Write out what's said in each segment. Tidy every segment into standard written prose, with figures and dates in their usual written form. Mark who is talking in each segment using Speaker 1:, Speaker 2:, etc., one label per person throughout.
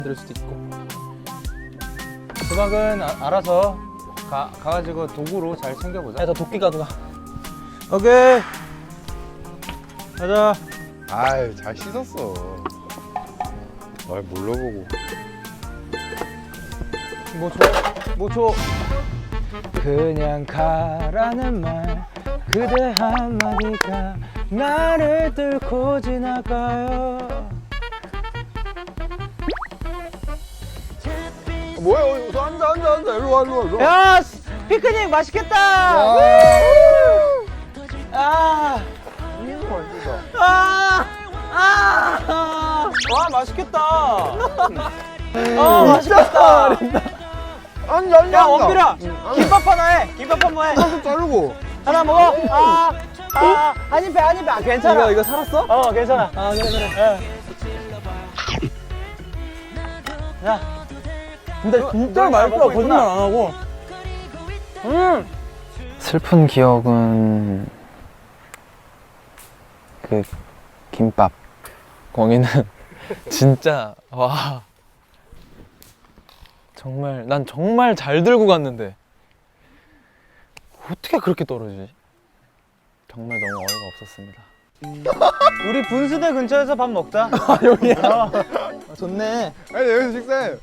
Speaker 1: 들 수도 있고.
Speaker 2: 수박은 알아서 가가지고 도구로 잘 챙겨보자.
Speaker 1: 야, 저 도끼 가져가.
Speaker 2: 오케이. 가자.
Speaker 3: 아유 잘 씻었어. 날 몰라보고.
Speaker 2: 뭐 줘? 그냥 가라는 말 그대 한마디가 나를 뚫고 지나가요.
Speaker 3: 뭐야? 여기서 앉아. 일로 와.
Speaker 2: 야, 피크닉 맛있겠다. 아, 와 맛있겠다. 맛있겠다.
Speaker 3: 앉아.
Speaker 2: 야, 원필아, 김밥 하나 해. 김밥 한 번 해.
Speaker 3: 좀 자르고.
Speaker 2: 하나 먹어. 한입 배. 괜찮아.
Speaker 1: 이거 살았어?
Speaker 2: 괜찮아.
Speaker 1: 그래.
Speaker 2: 야,
Speaker 1: 근데 진짜 맛있어. 거짓말 안 하고.
Speaker 4: 슬픈 기억은 그 김밥. 거기는 진짜 와 정말 난 정말 잘 들고 갔는데 어떻게 그렇게 떨어지지? 정말 너무 어이가 없었습니다.
Speaker 2: 우리 분수대 근처에서 밥 먹자.
Speaker 1: 여기야. 좋네.
Speaker 3: 아니 여기서 식사해.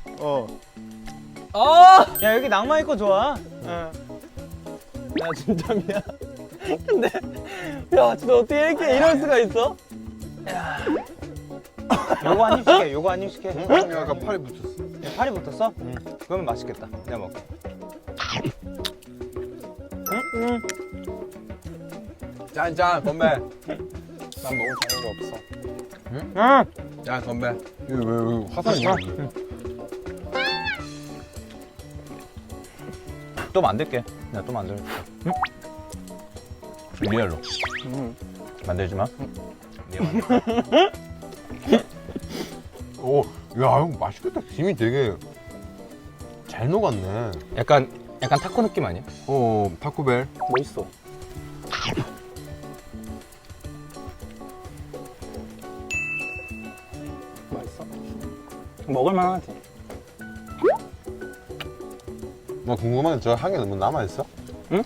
Speaker 2: 야, 여기 낭만 있고 좋아.
Speaker 1: 야, 진짜 미안. 근데 야, 진짜 어떻게 이렇게 이럴 수가 있어?
Speaker 2: 요거 한 입 시켜. 요거 한 입 시켜.
Speaker 3: 약간 팔이 붙였어.
Speaker 2: 야, 팔이 붙었어? 그러면 맛있겠다. 내가 먹게.
Speaker 3: 짠 건배.
Speaker 4: 난 먹을 자유가 없어.
Speaker 2: 응.
Speaker 3: 짠 건배. 이거 왜 화산이 있냐?
Speaker 2: 또 만들게. 내가 또 만들게. 리얼로. 만들지 마.
Speaker 3: 오, 야, 형 맛있겠다. 김이 되게 잘 녹았네.
Speaker 2: 약간 타코 느낌 아니야?
Speaker 3: 타코벨.
Speaker 1: 멋있어. 맛있어. 먹을만 하지.
Speaker 3: 나 궁금한 게 저 향이 너무 남아 있어?
Speaker 1: 응.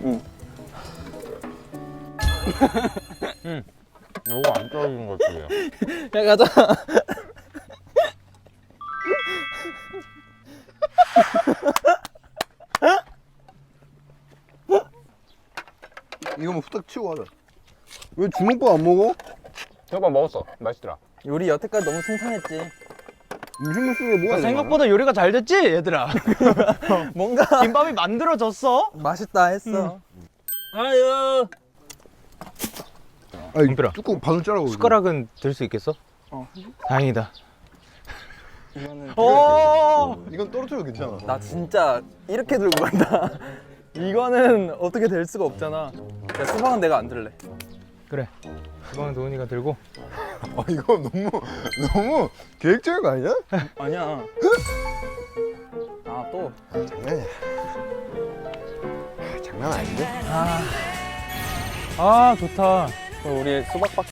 Speaker 3: 이거 안 떨어지는 것 같아요.
Speaker 1: 야, 가자.
Speaker 3: 이거 뭐 후딱 치고 가자. 왜 주먹밥 안 먹어?
Speaker 2: 저거 먹었어. 맛있더라.
Speaker 1: 요리 여태까지 너무 승산했지.
Speaker 3: 음식물 속에 뭐가
Speaker 2: 생각보다 요리가 잘 됐지, 얘들아.
Speaker 1: 뭔가
Speaker 2: 김밥이 만들어졌어.
Speaker 1: 맛있다 했어. 아유.
Speaker 3: 아니,
Speaker 2: 은필아.
Speaker 3: 뚜껑 반을 자르고.
Speaker 2: 숟가락은 들 수 있겠어? 다행이다.
Speaker 1: 이거는
Speaker 3: 이건 떨어져도 괜찮아.
Speaker 1: 나 진짜 이렇게 들고 간다. 이거는 어떻게 될 수가 없잖아. 야, 수박은 내가 안 들래.
Speaker 2: 그래. 수박은 도훈이가 들고.
Speaker 3: 이거 너무 계획적인 거 아니야?
Speaker 1: 아니야. 아, 또.
Speaker 3: 장난이야. 장난 아닌데?
Speaker 2: 아, 좋다.
Speaker 1: 그럼 우리 수박밖에